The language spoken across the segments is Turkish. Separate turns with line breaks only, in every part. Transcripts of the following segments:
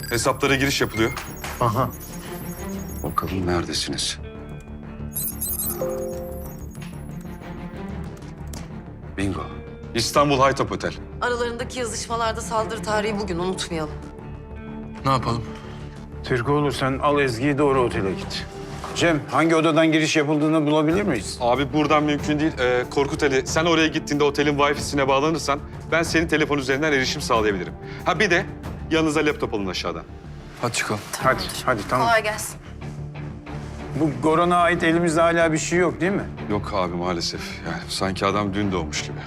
Hesaplara giriş yapılıyor.
Aha.
Bakalım neredesiniz? Bingo.
İstanbul Haytop Otel.
Aralarındaki yazışmalarda saldırı tarihi bugün, unutmayalım.
Ne yapalım?
Türkoğlu sen al Ezgi'yi doğru otele git. Cem hangi odadan giriş yapıldığını bulabilir miyiz?
Abi buradan mümkün değil. Korkut Ali, sen oraya gittiğinde otelin Wi-Fi'sine bağlanırsan ben senin telefon üzerinden erişim sağlayabilirim. Ha bir de yanınıza laptop alın aşağıdan.
Hadi çıkalım.
Hadi tamam.
Kolay gelsin.
Bu Goran'a ait elimizde hala bir şey yok değil mi?
Yok abi maalesef. Yani sanki adam dün doğmuş gibi.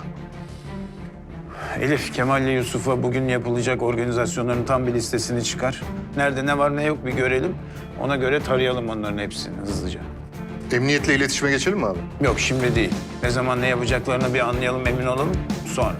Elif, Kemal ile Yusuf'a bugün yapılacak organizasyonların tam bir listesini çıkar. Nerede ne var ne yok bir görelim. Ona göre tarayalım onların hepsini hızlıca.
Emniyetle iletişime geçelim mi abi?
Yok şimdi değil. Ne zaman ne yapacaklarını bir anlayalım, emin olalım. Sonra.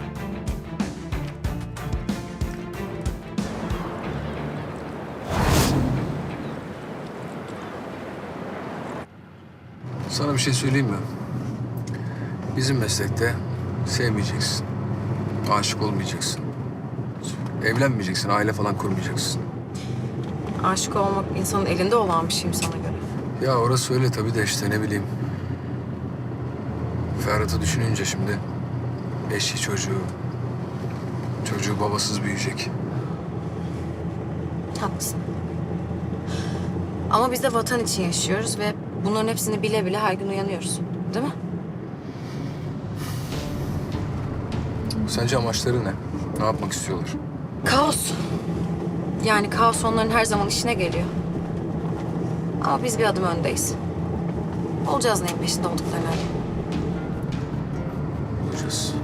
Sana bir şey söyleyeyim mi? Bizim meslekte sevmeyeceksin. Aşık olmayacaksın. Evlenmeyeceksin, aile falan kurmayacaksın.
Aşık olmak insanın elinde olan bir şey mi sana göre?
Ya orası öyle tabii de işte ne bileyim. Ferhat'ı düşününce şimdi eşi çocuğu. Çocuğu babasız büyüyecek.
Haklısın. Ama biz de vatan için yaşıyoruz ve bunların hepsini bile bile her gün uyanıyoruz. Değil mi?
Sence amaçları ne? Ne yapmak istiyorlar?
Kaos. Yani kaos onların her zaman işine geliyor. Ama biz bir adım öndeyiz. Olacağız neyin peşinde olduklarını.
Bulacağız.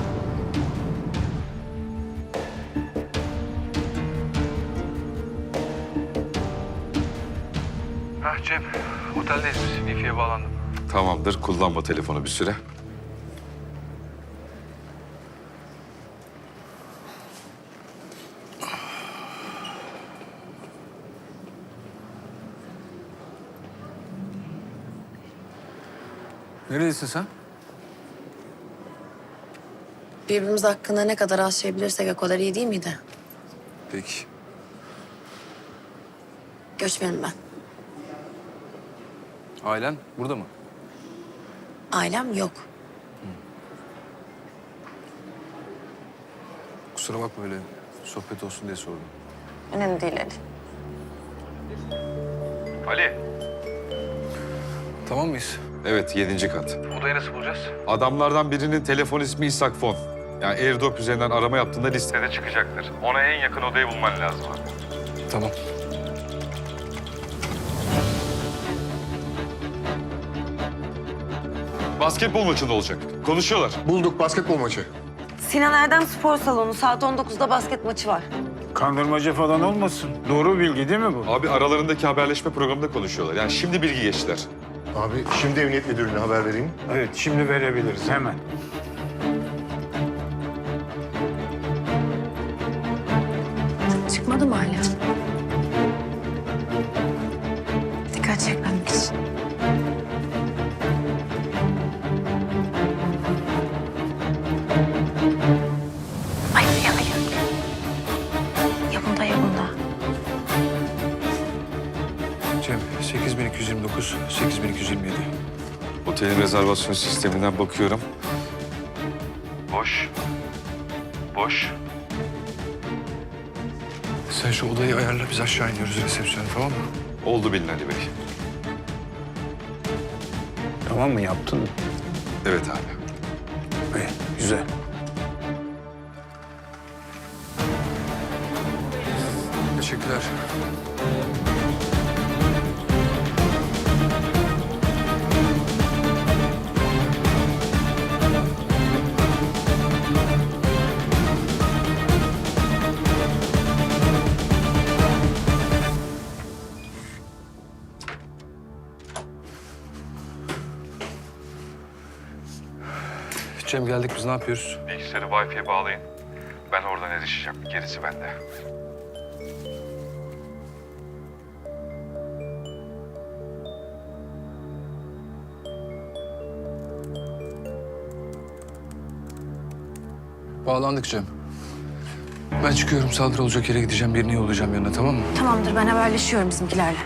Cem, oteldeyiz biz. Wi-Fi'ye bağlandım.
Tamamdır. Kullanma telefonu bir süre.
Nerelisin sen?
Birbirimiz hakkında ne kadar az şey bilirsek o kadar iyi değil miydi?
Peki.
Göçmenim ben.
Ailen burada mı?
Ailem yok.
Kusura bakma öyle sohbet olsun diye sordum.
Önemli değil Ali.
Ali,
Tamam mıyız?
Evet 7. kat.
odayı nasıl bulacağız?
Adamlardan birinin telefon ismi İshak Fon. Yani AirDrop üzerinden arama yaptığında listede çıkacaktır. Ona en yakın odayı bulman lazım abi.
Tamam.
Basketbol maçında olacak. Konuşuyorlar.
Bulduk basketbol maçı.
Sinan Erdem Spor Salonu saat 19'da basket maçı var.
Kandırmaca falan olmasın. Doğru bilgi değil mi bu?
Abi aralarındaki haberleşme programında konuşuyorlar. Yani şimdi bilgi geçtiler.
Abi şimdi emniyet müdürlüğüne haber vereyim.
Evet şimdi verebiliriz hemen.
Çıkmadı mı hala? Dikkat çekmemek için. Ay hayır. Ya bunda ya bunda.
Cem 8229, 8227.
Otelin rezervasyon sisteminden bakıyorum. Boş. Boş.
Sen şu odayı ayarla, biz aşağı iniyoruz resepsiyona, tamam mı?
Oldu bilin Ali Bey.
Tamam mı yaptın mı?
Evet abi.
İyi, güzel.
Teşekkürler. Cem geldik, biz ne yapıyoruz?
Bilgisayarı Wi-Fi'ye bağlayın. Ben oradan erişeceğim. Gerisi bende.
Bağlandık Cem. Ben çıkıyorum. Saldırı olacak yere gideceğim. Birini yollayacağım yanına, tamam mı?
Tamamdır, ben haberleşiyorum bizimkilerle.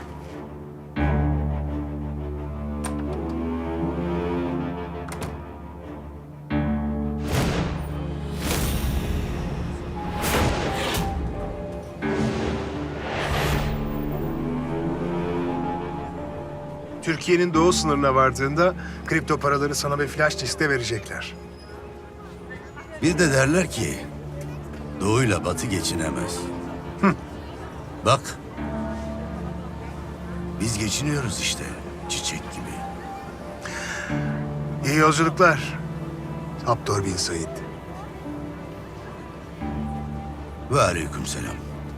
Türkiye'nin doğu sınırına vardığında kripto paraları sana bir flash liste verecekler.
Bir de derler ki doğuyla batı geçinemez. Bak. Biz geçiniyoruz işte çiçek gibi.
İyi yolculuklar. Abdur bin Said.
Ve aleykümselam.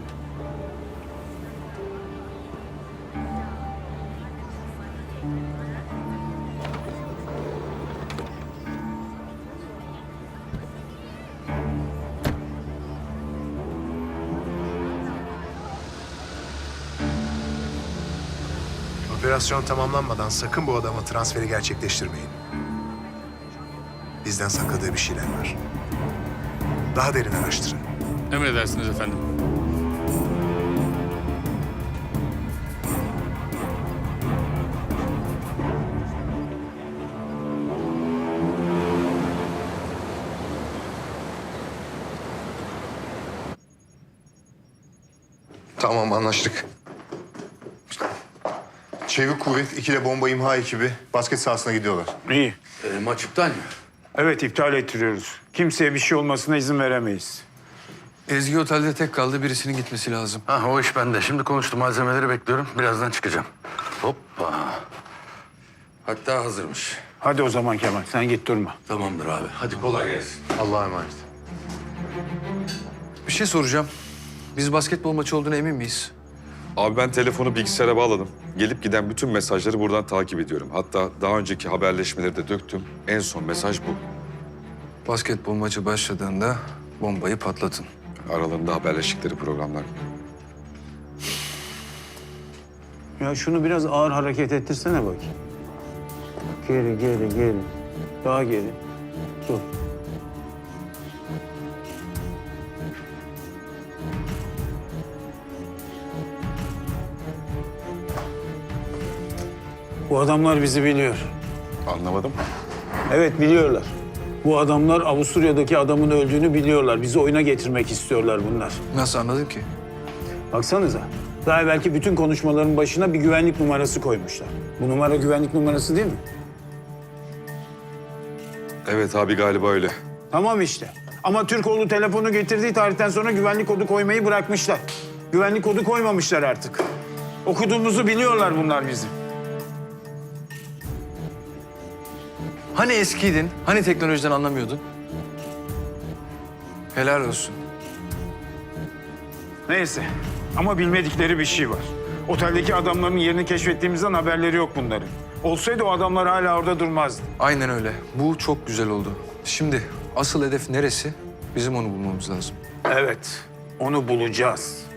Operasyon tamamlanmadan sakın bu adama transferi gerçekleştirmeyin. Bizden sakladığı bir şeyler var. Daha derin araştırın.
Emredersiniz efendim.
Tamam, anlaştık. Çevik kuvvet, ikili bomba imha ekibi basket sahasına gidiyorlar.
İyi.
Maç iptal mi?
Evet, iptal ettiriyoruz. Kimseye bir şey olmasına izin veremeyiz.
Ezgi otelde tek kaldı. Birisinin gitmesi lazım.
Ha, o iş bende. Şimdi konuştum. Malzemeleri bekliyorum. Birazdan çıkacağım. Hoppa. Hatta hazırmış.
Hadi o zaman Kemal, sen git durma.
Tamamdır abi. Hadi kolay gelsin.
Allah'a emanet.
Bir şey soracağım. Biz basketbol maçı olduğuna emin miyiz?
Abi ben telefonu bilgisayara bağladım. Gelip giden bütün mesajları buradan takip ediyorum. Hatta daha önceki haberleşmeleri de döktüm. En son mesaj bu.
Basketbol maçı başladığında bombayı patlatın.
Aralarında haberleştikleri programlar.
Ya şunu biraz ağır hareket ettirsene bakayım. Geri, geri, geri. Daha geri. Dur. Bu adamlar bizi biliyor.
Anlamadım.
Evet, biliyorlar. Bu adamlar Avusturya'daki adamın öldüğünü biliyorlar. Bizi oyuna getirmek istiyorlar bunlar.
Nasıl anladın ki?
Baksanıza. Daha belki bütün konuşmaların başına bir güvenlik numarası koymuşlar. Bu numara güvenlik numarası değil mi?
Evet abi, galiba öyle.
Tamam işte. Ama Türkoğlu telefonu getirdiği tarihten sonra güvenlik kodu koymayı bırakmışlar. Güvenlik kodu koymamışlar artık. Okuduğumuzu biliyorlar bunlar bizim.
Hani eskiydin? Hani teknolojiden anlamıyordun? Helal olsun.
Neyse. Ama bilmedikleri bir şey var. Oteldeki adamların yerini keşfettiğimizden haberleri yok bunların. Olsaydı o adamlar hala orada durmazdı.
Aynen öyle. Bu çok güzel oldu. Şimdi asıl hedef neresi? Bizim onu bulmamız lazım.
Evet. Onu bulacağız.